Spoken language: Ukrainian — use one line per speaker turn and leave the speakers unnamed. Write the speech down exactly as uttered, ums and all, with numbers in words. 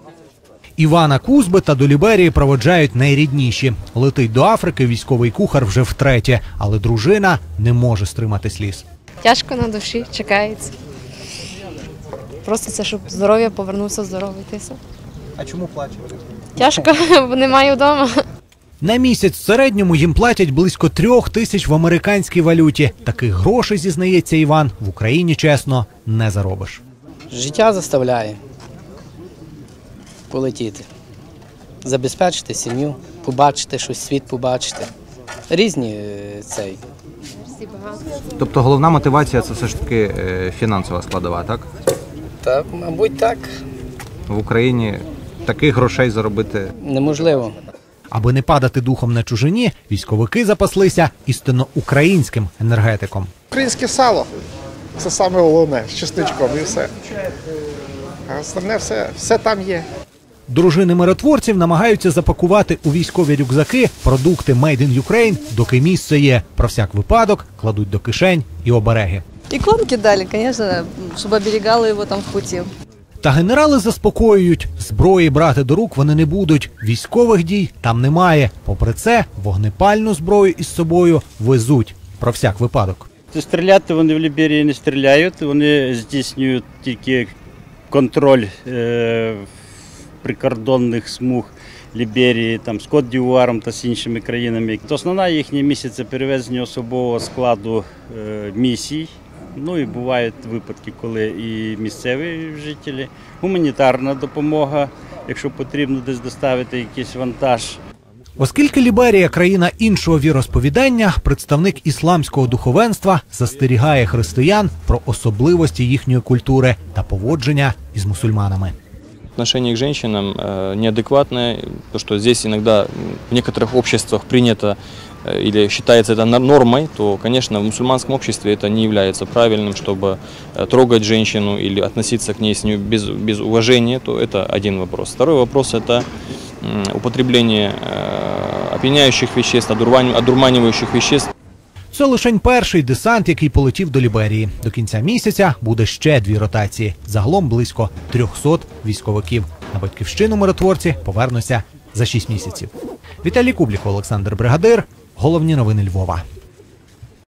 Івана Кузбита до Ліберії проводжають найрідніші. Летить до Африки військовий кухар вже втретє, але дружина не може стримати сліз.
Тяжко на душі, чекається. Просто це, щоб здоров'я повернувся здоровий.
А чому плаче?
Тяжко, бо немає вдома.
На місяць в середньому їм платять близько трьох тисяч в американській валюті. Таких грошей, зізнається Іван, в Україні, чесно, не заробиш.
Життя заставляє полетіти, забезпечити сім'ю, побачити щось, світ побачити. Різні цей.
Тобто головна мотивація – це все ж таки фінансова складова, так?
Та, мабуть, так.
В Україні таких грошей заробити
неможливо.
Аби не падати духом на чужині, військовики запаслися істинно українським енергетиком.
Українське сало – це саме головне, з чесничком і все. А основне все, все там є.
Дружини миротворців намагаються запакувати у військові рюкзаки продукти Made in Ukraine, доки місце є. Про всяк випадок кладуть до кишень і обереги.
Иконки дали, конечно, чтобы оберегало его там в пути.
Та генерали заспокоюють, зброї брати до рук вони не будуть, військових дій там немає. Попри це, вогнепальну зброю із собою везуть. Про всяк випадок.
Стріляти вони в Ліберії не стріляють, вони здійснюють тільки контроль е прикордонних смуг Ліберії, там, з Кот-д'Івуаром та з іншими країнами. Основна їхня місія – це перевезення особового складу е місій. Ну і бувають випадки, коли і місцеві жителі, гуманітарна допомога, якщо потрібно десь доставити якийсь вантаж.
Оскільки Ліберія – країна іншого віросповідання, представник ісламського духовенства застерігає християн про особливості їхньої культури та поводження із мусульманами.
Отношение к женщинам неадекватное, то что здесь иногда в некоторых обществах принято или считается это нормой, то, конечно, в мусульманском обществе это не является правильным, чтобы трогать женщину или относиться к ней с ней без, без уважения, то это один вопрос. Второй вопрос – это употребление опьяняющих веществ, одурманивающих веществ.
Це лишень перший десант, який полетів до Ліберії. До кінця місяця буде ще дві ротації. Загалом близько трьохсот військовиків. На батьківщину миротворці повернуться за шість місяців. Віталій Кублік, Олександр Бригадир. Головні новини Львова.